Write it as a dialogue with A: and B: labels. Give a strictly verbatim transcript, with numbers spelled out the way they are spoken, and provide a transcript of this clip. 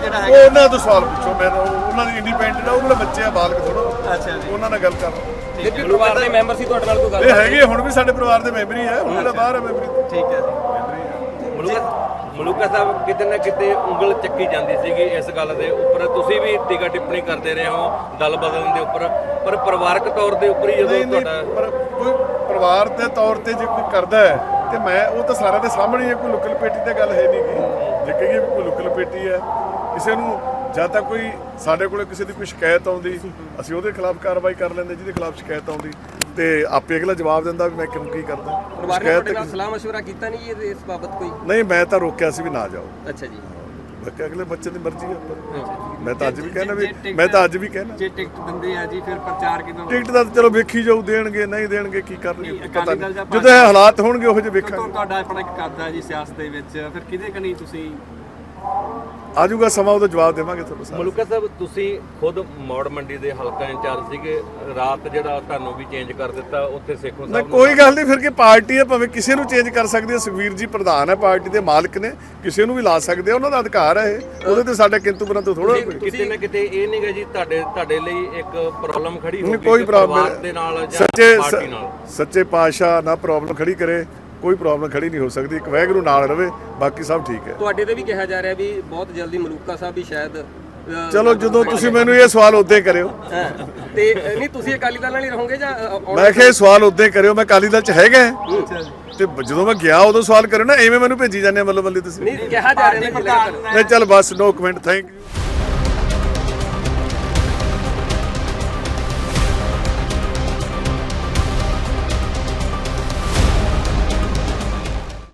A: ਜਿਹੜਾ
B: ਉਹ ਉਹਨਾਂ ਤੋਂ ਸਵਾਲ ਪੁੱਛੋ, ਮੈਂ ਉਹਨਾਂ ਦੀ ਇੰਡੀਪੈਂਡੈਂਟ ਆ, ਉਹਨਾਂ ਦੇ ਬੱਚੇ ਆ, ਬਾਲਕ ਥੋੜਾ।
A: ਅੱਛਾ ਜੀ,
B: ਉਹਨਾਂ ਨਾਲ ਗੱਲ ਕਰ
C: ਜੇ ਪਰਿਵਾਰ ਦੇ ਮੈਂਬਰ ਸੀ ਤੁਹਾਡੇ ਨਾਲ ਕੋਈ ਗੱਲ?
B: ਇਹ ਹੈਗੇ ਹੁਣ ਵੀ ਸਾਡੇ ਪਰਿਵਾਰ ਦੇ ਮੈਂਬਰ ਹੀ ਆ, ਉਹਨਾਂ ਦਾ ਬਾਹਰ ਆ ਮੈਂਬਰ।
A: ਠੀਕ ਹੈ ਜੀ।
C: ਮਲੂਕਾ ਸਾਹਿਬ ਕਿਤੇ ਨਾ ਕਿਤੇ ਉਂਗਲ ਚੱਕੀ ਜਾਂਦੀ ਸੀਗੀ ਇਸ ਗੱਲ ਦੇ ਉੱਪਰ, ਤੁਸੀਂ ਵੀ ਟੀਕਾ ਟਿੱਪਣੀ ਕਰਦੇ ਰਹੇ ਹੋ ਦਲ ਬਦਲਣ ਦੇ ਉੱਪਰ, ਪਰ ਪਰਿਵਾਰਕ ਤੌਰ ਦੇ ਉੱਪਰ ਹੀ ਜਦੋਂ ਤੁਹਾਡਾ
B: ਪਰ ਕੋਈ ਪਰਿਵਾਰ ਦੇ ਤੌਰ ਤੇ ਜੇ ਕੋਈ ਕਰਦਾ ਹੈ ਤੇ ਮੈਂ ਉਹ ਤਾਂ ਸਾਰਿਆਂ ਦੇ ਸਾਹਮਣੇ ਹੀ ਹੈ, ਕੋਈ ਲੁੱਕ ਲਪੇਟੀ ਦੀ ਗੱਲ ਹੈ ਨਹੀਂ ਗੀ। ਜੇ ਕਹੀਏ ਵੀ ਕੋਈ ਲੁੱਕ ਲਪੇਟੀ ਹੈ ਕਿਸੇ ਨੂੰ, ਜਦ ਤੱਕ ਕੋਈ ਸਾਡੇ ਕੋਲ ਕਿਸੇ ਦੀ ਕੋਈ ਸ਼ਿਕਾਇਤ ਆਉਂਦੀ ਅਸੀਂ ਉਹਦੇ ਖਿਲਾਫ ਕਾਰਵਾਈ ਕਰ ਲੈਂਦੇ, ਜਿਹਦੇ ਖਿਲਾਫ ਸ਼ਿਕਾਇਤ ਆਉਂਦੀ ਤੇ ਆਪੇ ਅਗਲਾ ਜਵਾਬ ਦਿੰਦਾ ਵੀ ਮੈਂ ਕਿਉਂ ਕੀ ਕਰਦਾ।
C: ਪਰਿਵਾਰ ਨੇ ਤੁਹਾਡੇ ਨਾਲ ਸਲਾਹ ਮਸ਼ਵਰਾ ਕੀਤਾ ਨਹੀਂ ਜੀ ਇਸ ਬਾਬਤ ਕੋਈ?
B: ਨਹੀਂ, ਮੈਂ ਤਾਂ ਰੋਕਿਆ ਸੀ ਵੀ ਨਾ ਜਾਓ।
C: ਅੱਛਾ ਜੀ,
B: ਬਾਕੀ ਅਗਲੇ ਬੱਚੇ ਦੀ ਮਰਜ਼ੀ ਹੈ। ਮੈਂ ਤਾਂ ਅੱਜ ਵੀ ਕਹਿਣਾ ਵੀ ਮੈਂ ਤਾਂ ਅੱਜ ਵੀ ਕਹਿਣਾ
A: ਜੇ ਟਿਕਟ ਦਿੰਦੇ ਆ ਜੀ ਫਿਰ ਪ੍ਰਚਾਰ ਕਿਦਾਂ?
B: ਟਿਕਟ ਦਾ ਚਲੋ ਵੇਖੀ ਜਾਊ, ਦੇਣਗੇ ਨਹੀਂ ਦੇਣਗੇ ਕੀ ਕਰਨਗੇ ਪਤਾ ਨਹੀਂ, ਜਦੋਂ ਇਹ ਹਾਲਾਤ ਹੋਣਗੇ ਉਹੋ ਜਿਹੇ ਵੇਖਾਂਗੇ।
A: ਤੁਹਾਡਾ ਆਪਣਾ ਇੱਕ ਕਰਦਾ ਜੀ ਸਿਆਸਤ ਦੇ ਵਿੱਚ, ਫਿਰ ਕਿਹਦੇ ਕਨੀ ਤੁਸੀਂ
B: ਆਜੂਗਾ ਸਮਾਂ, ਉਹਦਾ ਜਵਾਬ ਦੇਵਾਂਗੇ ਤੁਹਾਨੂੰ।
C: ਮਲੂਕਾ ਸਾਹਿਬ ਤੁਸੀਂ ਖੁਦ ਮੌੜ ਮੰਡੀ ਦੇ ਹਲਕਾ ਇੰਚਾਰਜ ਸੀਗੇ, ਰਾਤ ਜਿਹੜਾ ਤੁਹਾਨੂੰ ਵੀ ਚੇਂਜ ਕਰ ਦਿੱਤਾ ਉੱਥੇ ਸੇਖੋਂ ਸਾਹਿਬ।
B: ਕੋਈ ਗੱਲ ਨਹੀਂ, ਫਿਰ ਕੀ ਪਾਰਟੀ ਹੈ, ਭਾਵੇਂ ਕਿਸੇ ਨੂੰ ਚੇਂਜ ਕਰ ਸਕਦੀ ਹੈ। ਸੁਖਵੀਰ ਜੀ ਪ੍ਰਧਾਨ ਹੈ, ਪਾਰਟੀ ਦੇ ਮਾਲਕ ਨੇ, ਕਿਸੇ ਨੂੰ ਵੀ ਲਾ ਸਕਦੇ ਆ, ਉਹਨਾਂ ਦਾ ਅਧਿਕਾਰ ਹੈ ਇਹ, ਉਹਦੇ ਤੇ ਸਾਡਾ ਕਿੰਤੂ ਪਰੰਤੂ ਥੋੜਾ।
C: ਕਿਤੇ ਨਾ ਕਿਤੇ ਇਹ ਨਹੀਂਗਾ ਜੀ ਤੁਹਾਡੇ ਤੁਹਾਡੇ ਲਈ ਇੱਕ ਪ੍ਰੋਬਲਮ ਖੜੀ ਹੋ ਗਈ
B: ਕੋਈ ਪ੍ਰੋਬਲਮ
C: ਦੇ ਨਾਲ ਜਾਂ
B: ਸੱਚੇ
C: ਪਾਰਟੀ ਨਾਲ?
B: ਸੱਚੇ ਪਾਤਸ਼ਾਹ ਨਾ ਪ੍ਰੋਬਲਮ ਖੜੀ ਕਰੇ, ਕੋਈ ਪ੍ਰੋਬਲਮ ਖੜੀ ਨਹੀਂ ਹੋ ਸਕਦੀ। ਇੱਕ ਵਾਹਿਗੁਰੂ ਨਾਲ ਰਵੇ, ਬਾਕੀ ਸਭ ਠੀਕ ਹੈ।
C: ਤੁਹਾਡੇ ਤੇ ਵੀ ਕਿਹਾ ਜਾ ਰਿਹਾ ਵੀ ਬਹੁਤ ਜਲਦੀ ਮਲੂਕਾ ਸਾਹਿਬ ਵੀ ਸ਼ਾਇਦ
B: ਚਲੋ ਜਦੋਂ ਤੁਸੀਂ ਮੈਨੂੰ ਇਹ ਸਵਾਲ ਉਦੋਂ ਕਰਿਓ
C: ਤੇ ਨਹੀਂ ਤੁਸੀਂ ਅਕਾਲੀ ਦਲ ਨਾਲ ਹੀ ਰਹੋਗੇ ਜਾਂ
B: ਮੈਂ ਕਿਹਾ ਇਹ ਸਵਾਲ ਉਦੋਂ ਕਰਿਓ, ਮੈਂ ਅਕਾਲੀ ਦਲ ਚ ਹੈਗਾ ਤੇ ਜਦੋਂ ਮੈਂ ਗਿਆ ਉਦੋਂ ਸਵਾਲ ਕਰਿਓ ਨਾ, ਐਵੇਂ ਮੈਨੂੰ ਭੇਜੀ ਜਾਂਦੇ ਮੱਲੋ ਮੱਲੀ ਤੁਸੀਂ।
C: ਨਹੀਂ ਕਿਹਾ ਜਾ ਰਿਹਾ
B: ਨਹੀਂ ਚੱਲ ਬਸ, ਨੋ ਕਮੈਂਟ, ਥੈਂਕ ਯੂ।